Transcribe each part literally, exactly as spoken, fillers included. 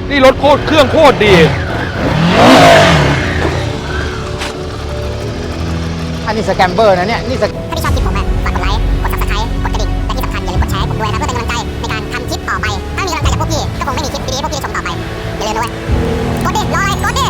นี่รถโคตรเครื่องโคตรดีอันนี้สแกมเบอร์นะเนี่ยนี่สถ้าพี่ชอบคลิปผมอ่ะฝากกดไลค์กดซับสไครต์กดกระดิ่งและที่สำคัญอย่าลืมกดแชร์ให้ผมด้วยนะเพื่อเป็นกำลังใจในการทำคลิปต่อไปถ้ามีกำลังใจจากพวกพี่ก็คงไม่มีคลิปดีๆพวกพี่ชมต่อไปอย่าลืมด้วยกดดิรออะไรกดดิ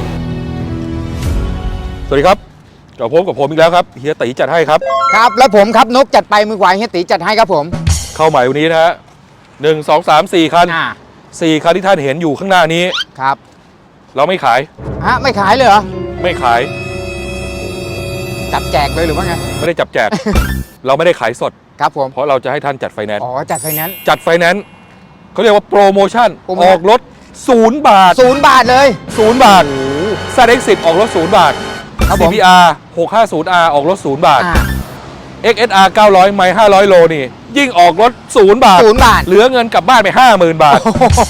สวัสดีครับกลับพบกับผมอีกแล้วครับเฮียตีจัดให้ครับครับแล้วผมครับนกจัดไปมือขวาเฮียตีจัดให้ครับผมเข้าใหม่วันนี้นะฮะหนึ่งสองสามสี่คันสี่คันที่ท่านเห็นอยู่ข้างหน้านี้ครับเราไม่ขายฮะไม่ขายเลยเหรอไม่ขายจับแจกเลยหรือว่าไงไม่ได้จับแจก เราไม่ได้ขายสดครับผมเพราะเราจะให้ท่านจัดไฟแนนซ์อ๋อจัดไฟแนนซ์จัดไฟแนนซ์เขาเรียกว่าโปรโมชั่นออกรถศูนย์บาทศูนย์บาทเลยศูนย์บาทซาเด็กสิบออกรถศูนย์บาท ซี พี อาร์ หกห้าศูนย์ อาร์ ออกรถศูนย์บาท เอ็กซ์ เอส อาร์ เก้าร้อยไมล์ห้าร้อยโลนี่ยิ่งออกรถศูนย์บาทศูนย์บาทเหลือเงินกลับบ้านไป ห้าหมื่น บาท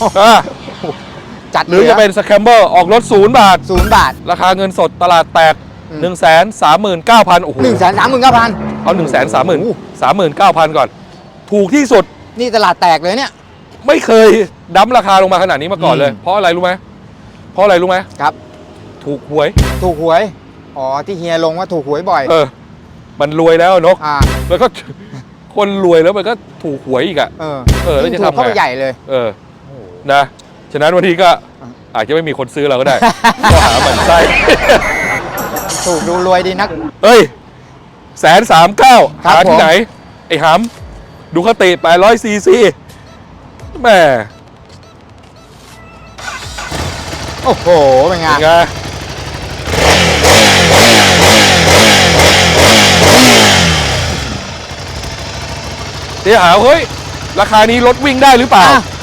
จัดหรือจะเป็นสแคมเบอร์ออกรถศูนย์บาทศูนย์บาทราคาเงินสดตลาดแตก หนึ่งแสนสามหมื่นเก้าพัน โอ้โหหนึ่งแสนสามหมื่นเก้าพันเอา หนึ่งแสนสามหมื่น สามหมื่นเก้าพัน ก่อนถูกที่สุดนี่ตลาดแตกเลยเนี่ยไม่เคยดั้มราคาลงมาขนาดนี้มาก่อนเลยเพราะอะไรรู้ไหมเพราะอะไรรู้ไหมครับถูกหวยถูกหวยอ๋อที่เฮียลงว่าถูกหวยบ่อยเออมันรวยแล้วนกอ่าแล้วก็คนรวยแล้วมันก็ถูกหวยอีกอ่ะเออเออแล้วจะทำไงเข้าไปใหญ่เลยเออนะฉะนั้นวันนี้ก็อาจจะไม่มีคนซื้อเราก็ได้ก็หาหมันไส้ถูกดูรวยดีนักเฮ้ยแสนสามเก้าหาที่ไหนไอ้หำดูคติแปดร้อยซีซีแม่โอ้โหเป็นไงเป็นไงเดี๋ยวหาเฮ้ยราคานี้รถวิ่งได้หรือเปล่า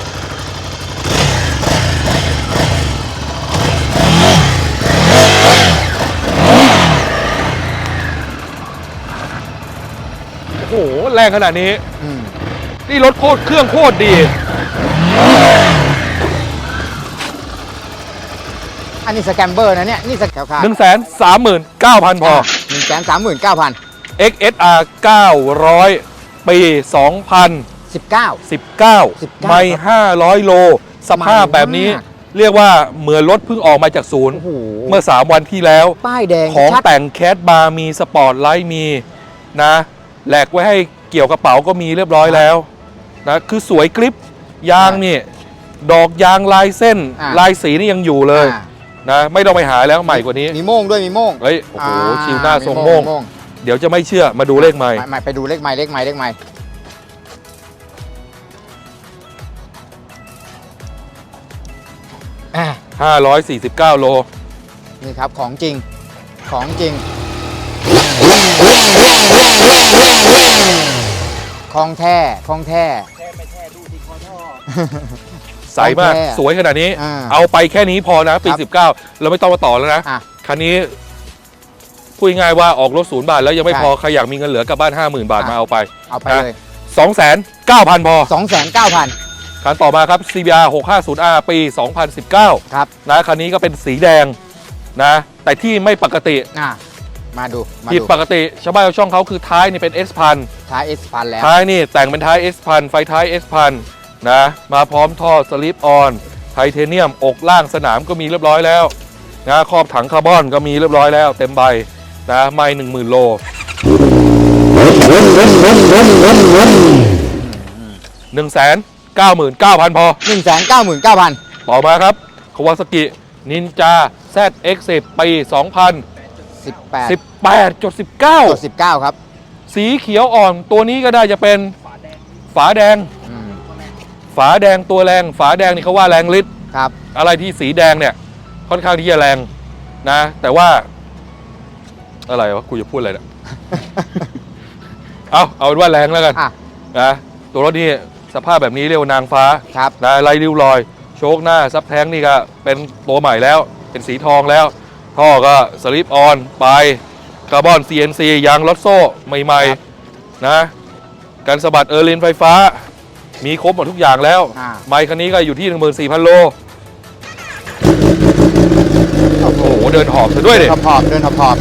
โอ้โหแรงขนาดนี้นี่รถโคตรเครื่องโคตรดีอันนี้สแกมเบอร์นะเนี่ยนี่สแกมหนึ่งแสนสามหมื่นเก้าพันพอหนึ่งแสนสามหมื่นเก้าพันเอ็กซ์ เอส อาร์ เก้าร้อยปีสองพันสิบเก้าสิบเก้าไมล์ห้าร้อยโลสภาพแบบนี้เรียกว่าเหมือนรถเพิ่งออกมาจากศูนย์เมื่อสามวันที่แล้วป้ายแดงของแต่งแคสบาร์มีสปอร์ตไลท์มีนะแหลกไว้ให้เกี่ยวกระเป๋าก็มีเรียบร้อยแล้วนะคือสวยกริปยางนี่ดอกยางลายเส้นลายสีนี่ยังอยู่เลยนะไม่ต้องไปหาแล้วใหม่กว่านี้มีโม่งด้วยมีโม่งเฮ้ยโอ้โหชิวหน้าทรงโม่งเดี๋ยวจะไม่เชื่อมาดูเลขใหม่ไปดูเลขใหม่เลขใหม่เลขใหม่ห้าร้อยสี่สิบเก้าโลนี่ครับของจริงของจริงของแท้ของแท้แท้ไม่แท้ดูที่คอท่อใสมากสวยขนาดนี้เอาไปแค่นี้พอนะปีสิบเก้าเราไม่ต้องมาต่อแล้วนะคันนี้พูดง่ายว่าออกรถศูนย์บาทแล้วยังไม่พอใครอยากมีเงินเหลือกลับบ้านห้าหมื่นบาทมาเอาไปเอาไปเลยสองแสนเก้าพันพอสองแสนเก้าพันคันต่อมาครับ ซี บี อาร์ หกห้าศูนย์ อาร์ ปีสองพันสิบเก้าครับนะคันนี้ก็เป็นสีแดงนะแต่ที่ไม่ปกติมาดูผิดปกติชาวบ้านชาวช่องเขาคือท้ายนี่เป็น S พันท้าย S พันแล้วท้ายนี่แต่งเป็นท้าย S พันไฟท้าย S พันนะมาพร้อมท่อสลิปออนไทเทเนียมอกล่างสนามก็มีเรียบร้อยแล้วนะครอบถังคาร์บอนก็มีเรียบร้อยแล้วเต็มใบนะไม่หนึ่งหมื่นโลหนึ่งแสนเก้าหมื่นเก้าพันพอหนึ่งแสนเก้าหมื่นเก้าพันต่อมาครับคาวาซากินินจา แซด เอ็กซ์ สิบ ปีสองพันสิบแปดสิบแปดจุดสิบเก้าสิบเก้าครับสีเขียวอ่อนตัวนี้ก็ได้จะเป็นฝาแดงฝาแดงตัวแรงฝาแดงนี่เขาว่าแรงฤทธิ์ครับอะไรที่สีแดงเนี่ยค่อนข้างที่จะแรงนะแต่ว่าอะไรวะกูจะพูดอะไรเนี่ยเอาเอาเป็นว่าแรงแล้วกันนะตัวรถนี่สภาพแบบนี้เรียกว่านางฟ้านะไร้ริ้วรอยโชคหน้าซับแท้งนี่ก็เป็นตัวใหม่แล้วเป็นสีทองแล้วท่อก็สลิปออนไปคาร์บอน ซี เอ็น ซี ยางรถโซ่ใหม่ๆนะการสะบัดเออร์ลินไฟฟ้ามีครบหมดทุกอย่างแล้วไมค์คันนี้ก็อยู่ที่ หนึ่งหมื่นสี่พัน โลโอ้โหเดินหอบซะด้วยดิหอบเดินหอบหอบ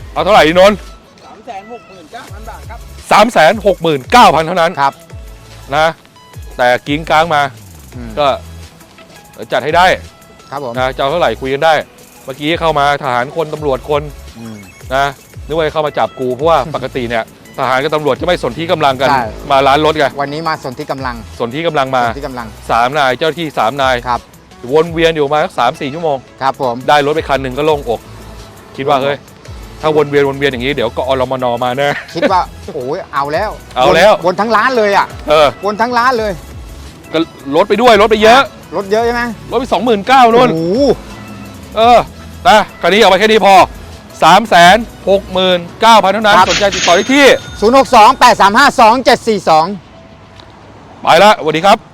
เอาเท่าไหร่ดีนนท์สามแสนหกหมื่นเก้าพันบาทครับสามแสนหกหมื่นเก้าพันเท่านั้นครับนะแต่กิ้งกลางมาอืมก็จัดให้ได้ครับผมนะจะเอาเท่าไหร่คุยกันได้ เมื่อกี้เข้ามาทหารคนตำรวจคนอืมนะนึกว่าจะเข้ามาจับกูเพราะว่า ปกติเนี่ยทหารกับตำรวจจะไม่สนที่กำลังกันใช่มาร้านรถไงวันนี้มาสนที่กำลังสนที่กำลังมาสนที่กำลังสามนายเจ้าหน้าที่สามนายครับวนเวียนอยู่มาสักสามสี่ชั่วโมงครับผมได้รถไปคันหนึ่งก็โล่งอก คิดว่าเฮ้ยถ้าวนเวียนวนเวียนอย่างนี้เดี๋ยวก็อรมนมาแน่คิดว่า โอ้ยเอาแล้วเอาแล้ววนวนทั้งร้านเลยอ่ะเออวนทั้งร้านเลยก็ลดไปด้วยลดไปเยอะรถเยอะใช่ไหมลดไปสองหมื่นเก้านู่นโอ้โหเออนะคันนี้เอาไปแค่นี้พอสามแสนหกหมื่นเก้าพันเท่านั้นสนใจติดต่อได้ที่ศูนย์หกสอง แปดสามห้า สองเจ็ดสี่สองไปละสวัสดีครับ